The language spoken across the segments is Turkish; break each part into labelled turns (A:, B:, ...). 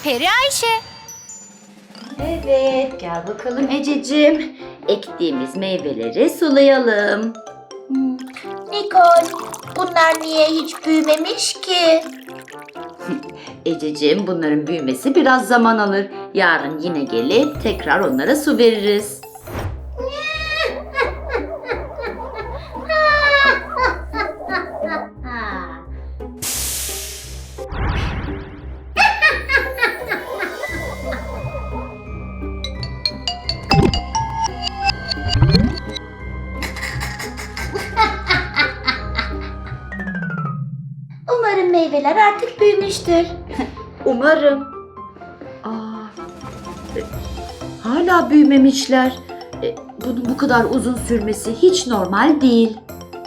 A: Peri Ayşe.
B: Evet, gel bakalım Ececiğim. Ektiğimiz meyveleri sulayalım.
C: Nikol, bunlar niye hiç büyümemiş ki?
B: Ececiğim, bunların büyümesi biraz zaman alır. Yarın yine gelip tekrar onlara su veririz.
C: Umarım meyveler artık büyümüştür.
B: Umarım. Hala büyümemişler. Bunun bu kadar uzun sürmesi hiç normal değil.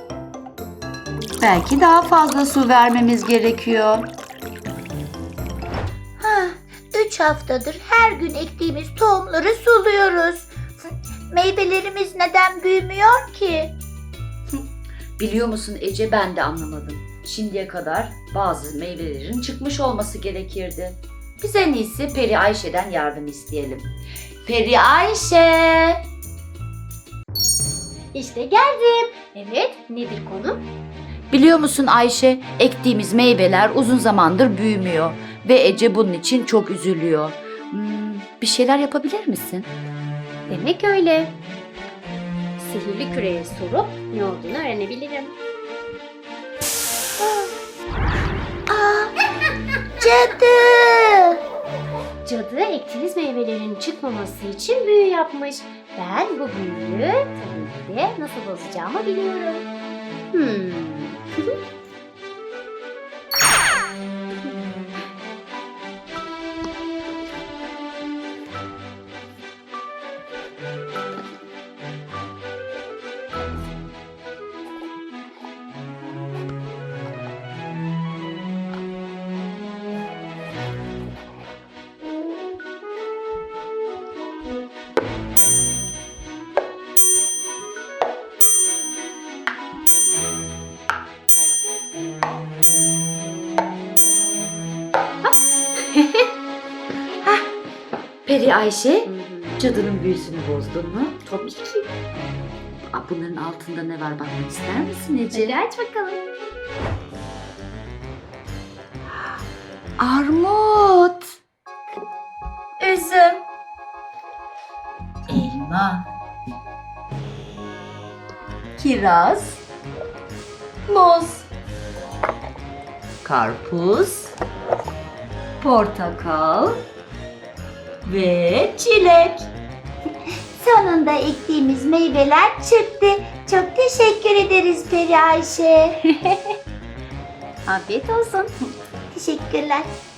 B: Belki daha fazla su vermemiz gerekiyor.
C: 3 haftadır her gün ektiğimiz tohumları suluyoruz. Meyvelerimiz neden büyümüyor ki?
B: Biliyor musun Ece, ben de anlamadım. Şimdiye kadar bazı meyvelerin çıkmış olması gerekirdi. Biz en iyisi Peri Ayşe'den yardım isteyelim. Peri Ayşe!
A: İşte geldim. Evet, nedir konu?
B: Biliyor musun Ayşe, ektiğimiz meyveler uzun zamandır büyümüyor ve Ece bunun için çok üzülüyor. Bir şeyler yapabilir misin?
A: Demek öyle. Sihirli küreye sorup ne olduğunu öğrenebilirim.
C: Cadı!
A: Cadı ektiğiniz meyvelerin çıkmaması için büyü yapmış. Ben bu büyüyü tabii ki de nasıl bozacağımı biliyorum.
B: Peri Ayşe, cadının büyüsünü bozdun mu?
A: Tabii ki.
B: Bunların altında ne var, bakmak ister misin Ece?
A: Hadi aç bakalım.
B: Armut,
C: Üzüm,
B: elma, kiraz, muz, karpuz, portakal ve çilek.
C: sonunda ektiğimiz meyveler çıktı. Çok teşekkür ederiz Peri Ayşe.
A: Afiyet olsun.
C: Teşekkürler.